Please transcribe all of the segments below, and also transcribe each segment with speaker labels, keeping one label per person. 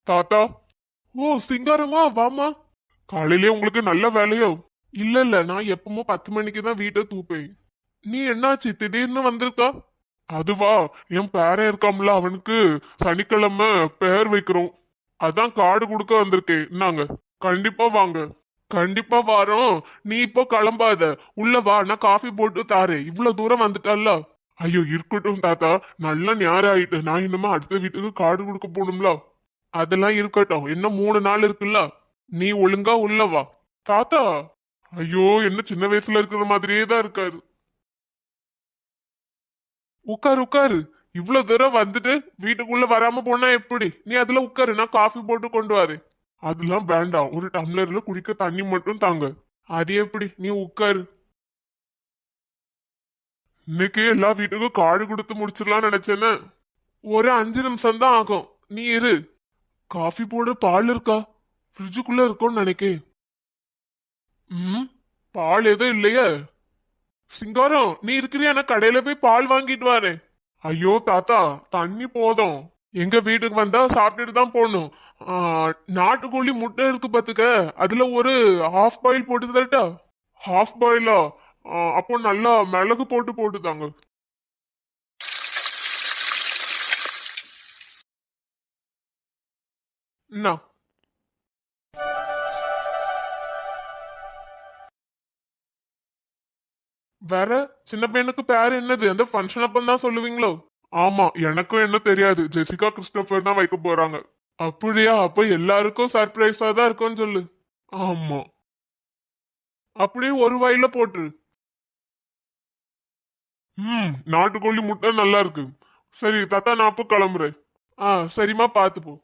Speaker 1: தாத்தா. ஓ சிங்காரமா, வாமா. காலையிலே உங்களுக்கு நல்ல வேலையோ? இல்ல இல்ல, நான் எப்பவுமே 10 மணிக்கு தான் வீட்டை தூப்பேன். நீ என்னாச்சு திடீர்னு வந்திருக்கா? அதுவா, என் பேரன் இருக்காம்ல, அவனுக்கு சனிக்கிழமை பேர் வைக்கிறோம். அதான் கார்டு கொடுக்க வந்திருக்கேன். நாங்க கண்டிப்பா வாங்க. கண்டிப்பா வாரோம். நீ இப்போ கிளம்பாத, உள்ள வா, நான் காஃபி போட்டு தாரேன். இவ்வளவு தூரம் வந்துட்டல்ல. ஐயோ இருக்கட்டும் தாத்தா, நல்ல நேரம் ஆயிட்டு. நான் இன்னுமா அடுத்த வீட்டுக்கு கார்டு கொடுக்க போகணும்ல. அதெல்லாம் இருக்கட்டும், இன்னும் 3 நாள் இருக்குல்ல. நீ ஒழுங்கா உள்ள வா. தாத்தா. ஐயோ, என்ன சின்ன வயசுல இருக்கிற மாதிரியே தான் இருக்காரு. உட்காரு உட்காரு. இவ்வளவு தூரம் வந்துட்டு வீட்டுக்குள்ள வராம போனா எப்படி? நீ அதுல உட்காரு, நான் காஃபி போட்டு கொண்டு வரேன். அதெல்லாம் வேண்டாம், ஒரு டம்ளர்ல குடிக்க தண்ணி மட்டும் தாங்க. அது எப்படி? நீ உட்காரு. இன்னைக்கு எல்லா வீட்டுக்கும் கார்டு கொடுத்து முடிச்சிடலாம்னு நினைச்சேன்னு. ஒரு 5 நிமிஷம் தான் ஆகும். நீ இரு. காஃபி போட பால் இருக்கா? ஃப்ரிட்ஜுக்குள்ள இருக்கும்னு நினைக்கேன். ம், பால் எதுவும் இல்லையே. சிங்காரம், நீ இருக்கிறியா? நான் கடையில போய் பால் வாங்கிட்டு வரேன். ஐயோ தாத்தா, தண்ணி போதும். எங்க வீட்டுக்கு வந்தா சாப்பிட்டுட்டு தான் போகணும். ஆ, நாட்டுக்கோழி முட்டை இருக்கு பாத்துக்க, அதுல ஒரு ஹாஃப் பாயில் போட்டு தரட்டா? ஹாஃப் பாயிலா? அப்போ நல்லா மிளகு போட்டு போட்டு தாங்க. என்ன? வேற? சின்ன பையனுக்கு பேர் என்னது? அந்த ஃபங்க்ஷன் அப்பந்தான் தான் சொல்லுவீங்களோ? ஆமா, எனக்கும் என்ன தெரியாது. ஜெசிகா கிறிஸ்டோபர் தான் வைக்க போறாங்க. அப்படியா? அப்ப எல்லாருக்கும் சர்ப்ரைஸா தான் இருக்கும்னு சொல்லு. ஆமா. அப்படியே ஒரு வாயில போட்டுரு. நாட்டுக்கோழி முட்டை நல்லா இருக்கு. சரி தாத்தா, நான் அப்போ கிளம்புறேன். சரிம்மா, பாத்து போ.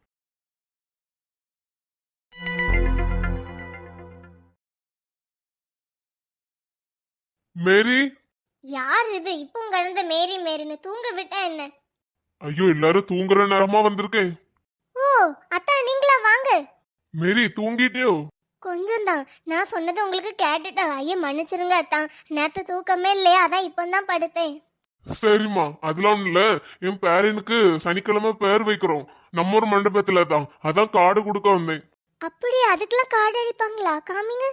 Speaker 1: மேரி.
Speaker 2: யார் இது இப்போ கலந்த மேரி மேரின்னு தூங்க விட்டா என்ன?
Speaker 1: ஐயோ, எல்லாரும் தூங்குற நேரமா வந்திருக்கேன்.
Speaker 2: ஓ, அத்தா நீங்களா? வாங்க.
Speaker 1: மேரி, தூங்கிட்டியோ?
Speaker 2: கொஞ்சம் தான். நான் சொன்னது உங்களுக்கு கேட்டுட்டா? ஐயா மன்னிச்சிருங்க அத்தா, நேத்து தூக்கமே இல்லையா, அதான் இப்பதான் படுத்தேன்.
Speaker 1: சரிம்மா, அதெல்லாம் ஒண்ணும் இல்ல. என் பேரனுக்கு சனிக்கிழமை பேர் வைக்கிறோம். நம்ம ஒரு மண்டபத்துல தான், அதான் கார்டு கொடுக்க வந்தேன்.
Speaker 2: அப்படி அதுக்கெல்லாம் கார்டு அடிப்பாங்களா? காமிங்க.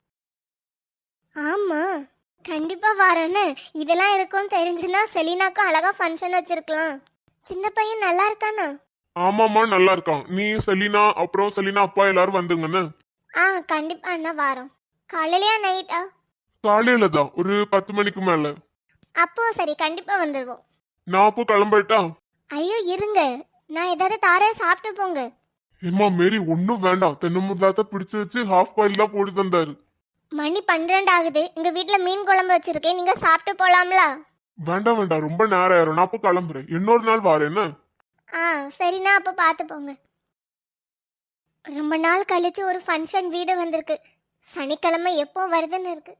Speaker 2: ஆமா, கண்டிப்பா வரேன்னு. இதெல்லாம் இருக்கும்னு தெரிஞ்சுன்னா செலினாக்கும் அழகா ஃபங்க்ஷன் வச்சிருக்கலாம். சின்ன பையன் நல்லா இருக்கானா?
Speaker 1: ஆமாம்மா, நல்லா இருக்கான். நீ செலினா அப்புறம் செலினா அப்பா எல்லாரும் வந்துங்கன்னு.
Speaker 2: கண்டிப்பா அண்ணா வாரோம். காலையிலயா நைட்டா?
Speaker 1: காலையில தான், ஒரு 10 மணிக்கு மேல.
Speaker 2: அப்போ சரி, கண்டிப்பா வந்துடுவோம்.
Speaker 1: நான் அப்போ கிளம்பிட்டா?
Speaker 2: ஐயோ இருங்க, நான் ஏதாவது தாரே, சாப்பிட்டு போங்க.
Speaker 1: ஏம்மா மேரி, ஒன்னும் வேண்டாம். தென்னமுதாத்த பிடிச்சு வச்சு ஹாஃப் பாயில் தான் போட்டு தந்தாரு.
Speaker 2: மணி 12 ஆகுது. எங்க வீட்ல மீன் குழம்பு வச்சிருக்கேன், நீங்க சாப்பிட்டு போலாம்ல?
Speaker 1: வேண்டாம் வேண்டாம், ரொம்ப நேரம் ஆயிரும். நான் அப்போ கிளம்புறேன். இன்னொரு நாள் வாரேன் என்ன?
Speaker 2: சரிண்ணா, அப்ப பார்த்து போங்க. ரொம்ப நாள் கழிச்சு ஒரு ஃபங்க்ஷன் வீடு வந்திருக்கு. சனிக்கிழமை எப்போ வருதுன்னு இருக்கு.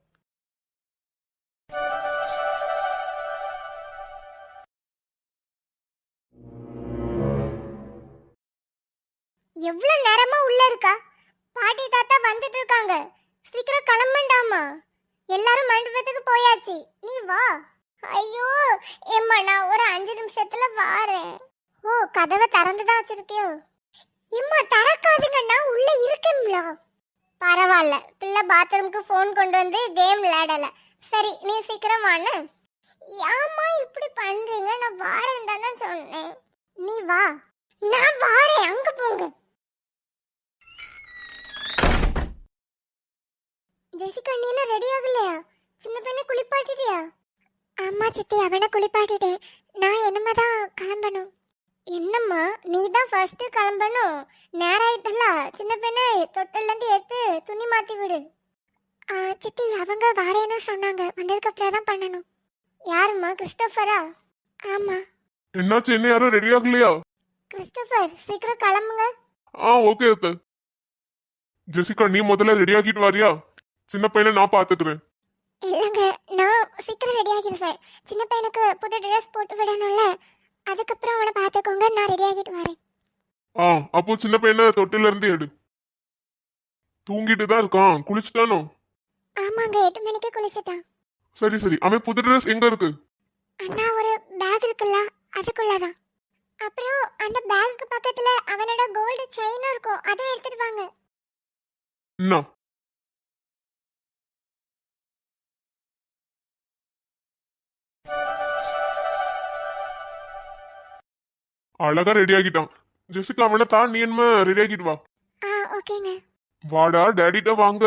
Speaker 2: எவ்வளவு நேரமா உள்ள இருக்கா? பாட்டி தாத்தா வந்துட்டு இருக்காங்க. சீக்கிரம் கிளம்பண்டாமா. எல்லாரும் மண்டபத்துக்கு போயாச்சு, நீ வா. ஐயோ ஏம்மா, நான் ஒரு 5 நிமிஷத்துல வாரேன். ஓ, கதவை திறந்துதான் வச்சிருக்கியோ? எம்மா திறக்காதுங்க, நான் உள்ள இருக்கேன்ல. பரவாயில்ல, பிள்ளை பாத்ரூமுக்கு ஃபோன் கொண்டு வந்து கேம் விளையாடல. சரி, நீ சீக்கிரம் வான்னு. ஏம்மா இப்படி பண்றீங்க? நான் வாரேன் தானே சொன்னேன். நீ வா. நான் வாரேன், அங்க போங்க. ஜெசிகா, நீ என்ன ரெடி ஆகலையா? சின்ன பையனை குளிப்பாட்டிட்டியா? ஆமா சித்தி, அவனை குளிப்பாட்டிட்டேன். நான் என்னமாதான் கிளம்பணும். என்னம்மா, நீ தான் ஃபர்ஸ்ட் கிளம்பணும். நேரம் ஆயிட்டல. சின்ன பையனை தொட்டில இருந்து எடுத்து துணி மாத்தி விடு. சித்தி, அவங்க வாரேன்னு சொன்னாங்க, வந்ததுக்கு அப்புறம் தான் பண்ணணும். யாரும்மா? கிறிஸ்டோபரா? ஆமா.
Speaker 1: என்னாச்சு? என்ன யாரும் ரெடி ஆகலையா?
Speaker 2: கிறிஸ்டோபர், சீக்கிரம் கிளம்புங்க.
Speaker 1: ஓகே அத்தை. ஜெசிகா, நீ முதல்ல ரெடி ஆகிட்டு வாரியா? சின்ன பையனை நான் பாத்துக்கிறேன்.
Speaker 2: இல்லைங்க, நான் சீக்கிரம் ரெடி ஆகிடுவேன். சின்ன பையனுக்கு புது ட்ரெஸ் போட்டு விடணும்ல, அதுக்கப்புறம் அவனை பார்த்துக்கோங்க. நான் ரெடி ஆகிட்டு வரேன்.
Speaker 1: அப்போ சின்ன பையனை தொட்டில இருந்து எடு. தூங்கிட்டு தான் இருக்கான். குளிச்சுட்டானோ?
Speaker 2: ஆமாங்க, 8 மணிக்கு குளிச்சுட்டான்.
Speaker 1: சரி சரி, அவன் புது ட்ரெஸ் எங்க இருக்கு?
Speaker 2: அண்ணா, ஒரு பேக் இருக்குல்ல, அதுக்குள்ளதான். அப்புறம் அந்த பேங்க் பக்கத்துல அவனோட கோல்டு செயினும் இருக்கும், அதை எடுத்துட்டு வாங்க.
Speaker 1: என்ன அழகா ரெடி ஆகிட்டான். ஜெசிகா அவனை தான், நீ என்ன ரெடி ஆகிட்டு வா.
Speaker 2: ஓகேங்க.
Speaker 1: வாடா டேடிட்ட வாங்க.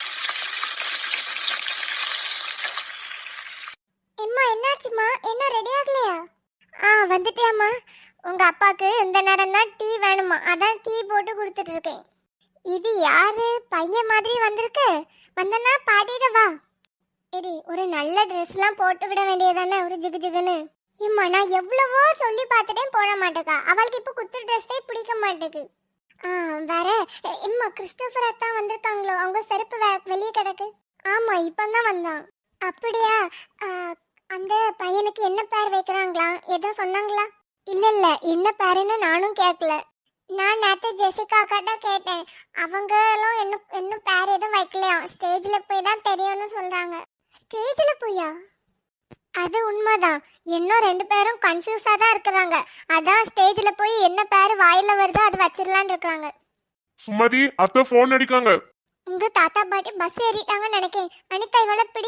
Speaker 2: எம்மா என்னாச்சுமா, என்ன ரெடி ஆகலையா? வந்துட்டியாம்மா. உங்க அப்பாக்கு இந்த நேரம் தான் டீ வேணுமா, அதான் டீ போட்டு கொடுத்துட்டு இருக்கேன். இது யாரு பையன் மாதிரி வந்திருக்கு? வந்தனா பாட்டிட வா. எடி ஒரு நல்ல ட்ரெஸ்லாம் போட்டு விட வேண்டியதானே, ஒரு ஜிகு ஜிகுன்னு. ஏம்மா நான் எவ்வளவோ சொல்லி பார்த்துட்டேன், போட மாட்டேக்கா. அவளுக்கு இப்போ குத்து ட்ரெஸ்ஸே பிடிக்க மாட்டேங்குது. வேற எம்மா கிறிஸ்டோபர் அத்தான் வந்திருக்காங்களோ, அவங்க செருப்பு வெளியே கிடக்கு. ஆமா இப்பதான் வந்தான். அப்படியா? அந்த பையனுக்கு என்ன பேர் வைக்கிறாங்களா, ஏதோ சொன்னாங்களா? இல்ல என்ன பேருன்னு நானும் கேட்கல. நான் நேற்று ஜெசிகா அக்காட்ட கேட்டேன், அவங்களும் இன்னும் பேர் எதுவும் வைக்கலையா, ஸ்டேஜ்ல போய் தான் தெரியும்னு சொல்றாங்க. ஸ்டேஜ்ல போயா? அது உண்மைதான். இன்னும் 2 பேரும் கன்ஃபியூஸா தான் இருக்கிறாங்க. அதான் ஸ்டேஜ்ல போய் என்ன பேர் வாயில வருதோ அது வச்சிடலான்னு இருக்காங்க.
Speaker 1: சுமதி அத்தை போன் அடிக்காங்க.
Speaker 2: உங்க தாத்தா பாட்டி பஸ் ஏறிட்டாங்கன்னு நினைக்கேன். அனிதா இவளை பிடி.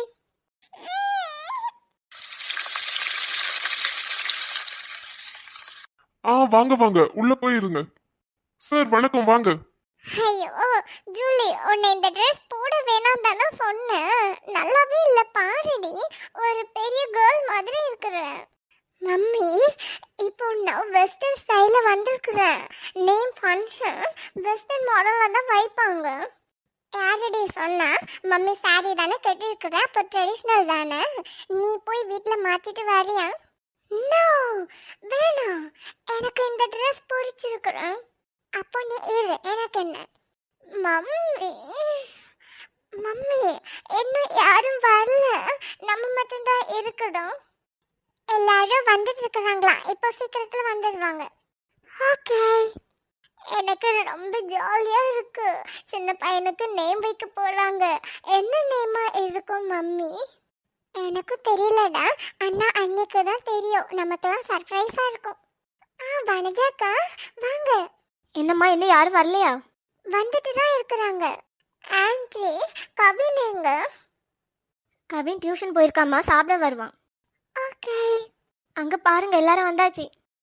Speaker 1: வாங்க வாங்க உள்ள போயிருங்க. சார் வணக்கம் வாங்க.
Speaker 2: ஐயோ ஜூலி, உன்னை இந்த ட்ரெஸ் போட வேணாம் தானே சொன்னேன். நல்லாவே இல்ல பாருடி, ஒரு பெரிய கேர்ள் மாதிரி இருக்கிற. மம்மி இப்போ நான் வெஸ்டர்ன் ஸ்டைல வந்திருக்கிறேன். நேம் ஃபங்க்ஷன் வெஸ்டர்ன் மாடல்ல தான் வைப்பாங்க. யாரடி சொன்னா? மம்மி சாரி தானே கட்டிருக்கிற, அப்போ ட்ரெடிஷ்னல் தானே. நீ போய் வீட்டில் மாத்திட்டு வரியா? நோ வேணாம், எனக்கு இந்த ட்ரெஸ் பிடிச்சிருக்கிறேன். அப்போ நீ இரு, எனக்கு என்ன. மம்மி மம்மி இன்னும் யாரும் வரல, நம்ம மட்டும்தான் இருக்கணும். எல்லாரும் வந்துட்டு இருக்கிறாங்களா, இப்போ சீக்கிரத்துல வந்துடுவாங்க. ஓகே. எனக்கு ரொம்ப ஜாலியா இருக்கு. சின்ன பையனுக்கு நேம் வைக்க போறாங்க. என்ன நேமா இருக்கும் மம்மி? எனக்கு தெரியலடா, அண்ணா அன்னைக்கு தான் தெரியும். நமக்கெல்லாம் சர்ப்ரைஸா இருக்கும். வனஜாக்கா வாங்க.
Speaker 3: என்னம்மா இன்னும் யாரும் வரலையா?
Speaker 2: வந்துட்டு தான் இருக்கிறாங்க. ஆன்ட்டி கவின் எங்க?
Speaker 3: கவின் டியூஷன் போயிருக்காமா, சாப்பிட வருவான்.
Speaker 2: ஓகே.
Speaker 3: அங்க பாருங்க எல்லாரும் வந்தாச்சு.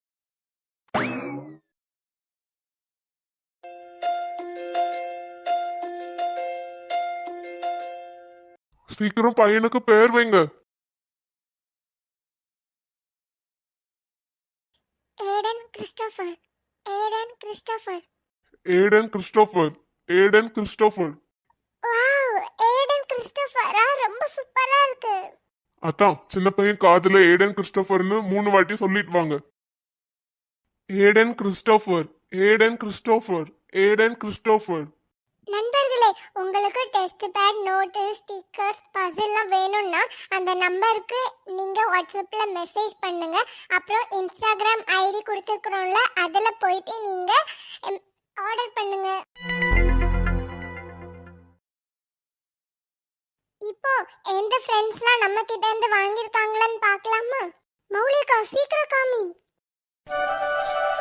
Speaker 1: சீக்கிரம் பையனுக்கு பேர் வைங்க.
Speaker 2: Aidan Christopher. Aidan Christopher.
Speaker 1: Aidan Christopher. Aidan Christopher.
Speaker 2: Wow, ஏடன் கிறிஸ்டோபரா, ரொம்ப சூப்பரா இருக்கு.
Speaker 1: அதான் சின்ன பையன் காதுல ஏடன் கிறிஸ்டோபர்னு 3 வாட்டி சொல்லிட்டு வாங்க. Aidan Christopher. Aidan Christopher. Aidan Christopher.
Speaker 2: நண்பர்களே, உங்களுக்கு டெஸ்ட் பேட், நோட்டு, ஸ்டிக்கர்ஸ், பசில்லாம் வேணும்னா அந்த நம்பருக்கு நீங்க வாட்ஸ்அப்ல மெசேஜ் பண்ணுங்க. அப்புறம் இன்ஸ்டாகிராம் ஐடி கொடுத்துருக்குறோம்ல, அதில் போயிட்டு நீங்க ஆர்டர் பண்ணுங்க. இப்போ எந்த ஃப்ரெண்ட்ஸ்லாம் நம்ம கிட்ட இருந்து வாங்கியிருக்காங்களான்னு பார்க்கலாமா? மௌலிகா சீக்கிரம் காமி.